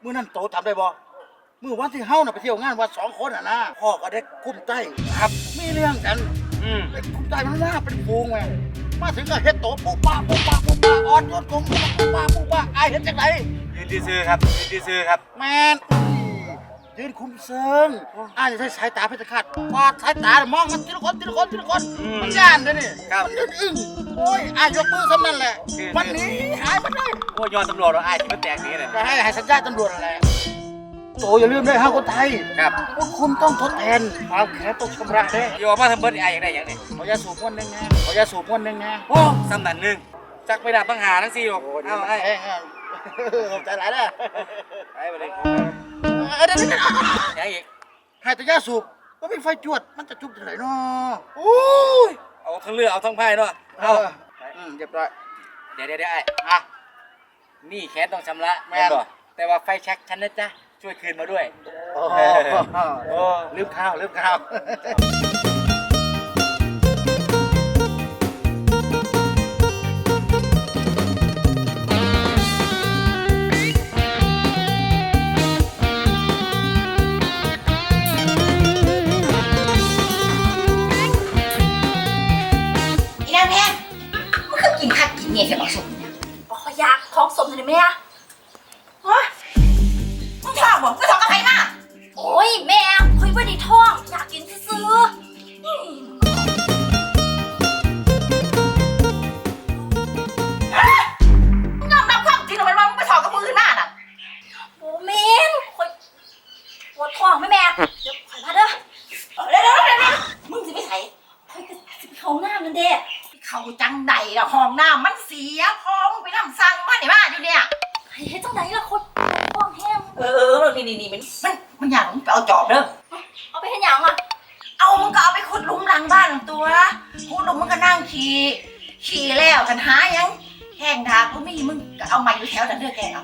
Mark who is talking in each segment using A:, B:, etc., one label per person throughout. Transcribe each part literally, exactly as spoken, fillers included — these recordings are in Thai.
A: มื้อนั้นโตทำได้บ่มื้อวันที่เฮาน่ะไปเที่ยวงานวัดสองคนอ่ะนะพ่อก็ได้คุ้มใต้ครับมีเรื่องกันอืมไอ้คุ้มใต้มันมาเป็นฟูงแม่มาถึงก็เฮ็ดโตปุ๊บป้าปุ๊บป้าปุ๊บป้าออดโดนกงปุ๊บป้าปุ๊บป้าอายเฮ็ดจังได
B: ยืนซื่อครับยืนซื่อครับ
A: แม่นยืนคุมเซิงอายจะใช้สายตาเพชรฆาตวาดสายตามองมันทีละคนทีละคนทีละคนมันย่านเด้อนี่มันยืนอึ้งโอ้ยอายยกมือซ้ำนั่นแหละวันนี้หายไปได้
B: โอ้ยยอดตำรวจเราไอ้ที่มันแตกนี้เลย
A: จะให้ให้สัญญาตำรวจอะไรโตอย่าลืมได้ห้าคนไทย
B: ครับ
A: พวกคุณต้องทดแทนความแค้นต้องชำระเด้
B: โยมาทำเบิร์ดไอ้อย่างไรอย่างนี้
A: ขอยาสูบวันหนึ่งไงขอยาสูบวันหนึ่งไง
B: โอ้สำนันหนึ่งจักไปดับตั้งหาทั้งสี่หกเอาไอ้
A: ใจร้ายเด้อ
B: ไปไปเลย
A: เดี๋ยวเดี๋ยว
B: ยังอีก
A: ให้แต่ยาสูบก็ไม่ไฟจวดมันจะจุบที่ไหนเนาะ
B: โอ้ยเอาทั้งเรือเอาทั้งไพ่เนาะเอา
A: อืมเรียบร้อย
B: เดี๋ยวเดี๋ยวเดี๋ยวไอ้อะนี่แค้นต้องชำระแม่บ่แต่ว่าไฟแช็กฉันนะจ๊ะช่วยคืนมาด้วย
A: โอ้โหลืมข้าวลืมข้าว
C: อีนางแพงมันคือกินคักกินเนี่ยเสียบางสมเนี่ยบอกเขาอยากท้องสมเลยไหมอะฮะมึงท้องบอกมึงท้องกับใครมาโอ้ยแม่คุยว่าดีท้องอยากกินซื้อมึงยอมรับความจริงหรือไม่ว่ามึงไปท้องกับมือขึ้นมาน่ะโอ้แม่คุยปวดท้องไหมแม่เดี๋ยวขอมาเด้อเดี๋ยวเดี๋ยวเดี๋ยวมึงจะไปใส่คุยกับเขาหน้ามันเด้เขาจังใดล่ะห้องน้ำมันเสียพอมึงไปนำสั่งมาไหนมาอยู่เนี่ยไอ้จังใดล่ะคนห้องแห้งเออนี่นี่นี่มันมันมันอยากมึงไปเอาจอบเด้อเอาไปให้ยังอ่ะเอามึงก็เอาไปขุดหลุมหลังบ้านตัวขุดหลุมมึงก็นั่งขี่ขี่แล้วกันหายังแห้งดากูไม่มึงก็เอามาอยู่แถวนั้นเด้อแกเอา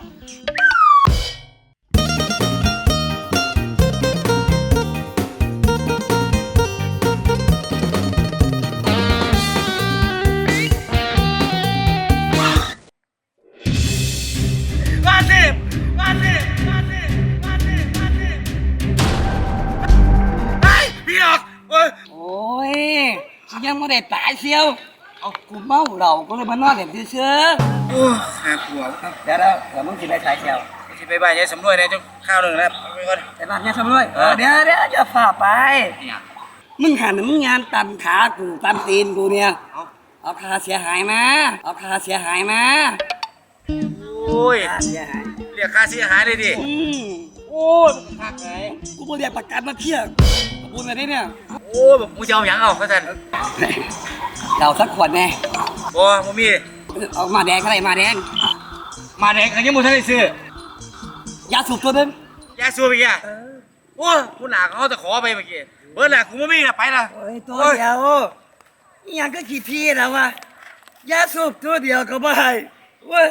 D: ยังไม่ได้ตายเชียวเอากูเมาเหล้าก็เลยมานอนเล่นเฉย
B: ๆโอ้หาผัว
D: เดี๋ยวแล้วเดี๋ยวมึงกินได้สายเชียว
B: จะไปบ้านยายสำรวยนะจ้าข้าวหนึ่งนะไปก่อน
D: ไปบ้านยายสำรวยเดี๋ยวเดี๋ยวจะฝ่าไปมึงหันมึงงานตันขากูตันตีนกูเนี่ยเอาค่าเสียหายมาเอาค่าเสียหายมา
B: โอ้ยเสียหายเรียกค่าเสียหายเลยดิ
D: โอ้ยหักไงกูไม่เรียกประกันมาเที่ยวกูมาได้เนี่ย
B: โอ้แบบมึงจะเอาอย่างเอาเขาจัน
D: เราสักขวดแน่
B: โอ้มึงมี
D: เอามาแดงอะไรมาแดง
B: มาแดงอันนี้มึงท่านได้ซื้
D: อยาสูบตัวนึง
B: ยาสูบอีกอ่ะโอ้กูหนาเขาจะขอไปเมื่อกี้เบิร์ดแหละกูไม่มีนะไปละ
D: โอ้ยตัวเดียวยังก็ขี้พี่แล้ววะยาสูบตัวเดียวก็ไม่เว้ย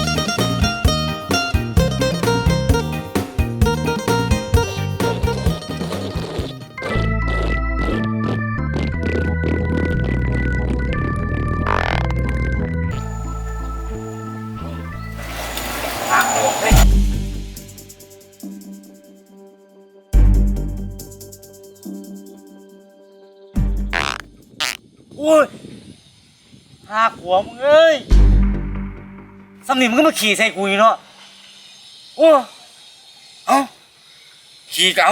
B: โอ้ยหาขวมึงเอ้ยสำนีมึงก็มาขี่ใส่กูเนาะโอ้เอ้าขี่เก่า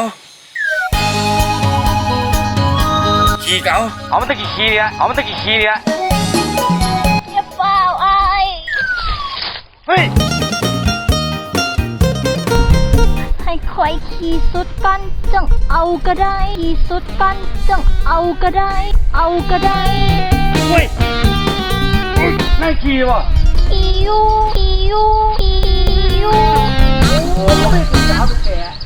B: ขี่เก่าเอามันตะกี้ขี่เนี่ยเอามันตะกี้ขี่เนี่ย
C: อย่าเปล่าไอ้
B: เฮ้ย
C: ให้คอยขี่สุดกันจังเอาก็ได้ขี่สุดกันจังเอาก็ได้เอาก็ได้
B: เฮ้ยนั่งขี่วะ
C: ขี่ยูขี่ยูขี่ยู
B: โอ้ยไม่เป็นสาวเป็นแก่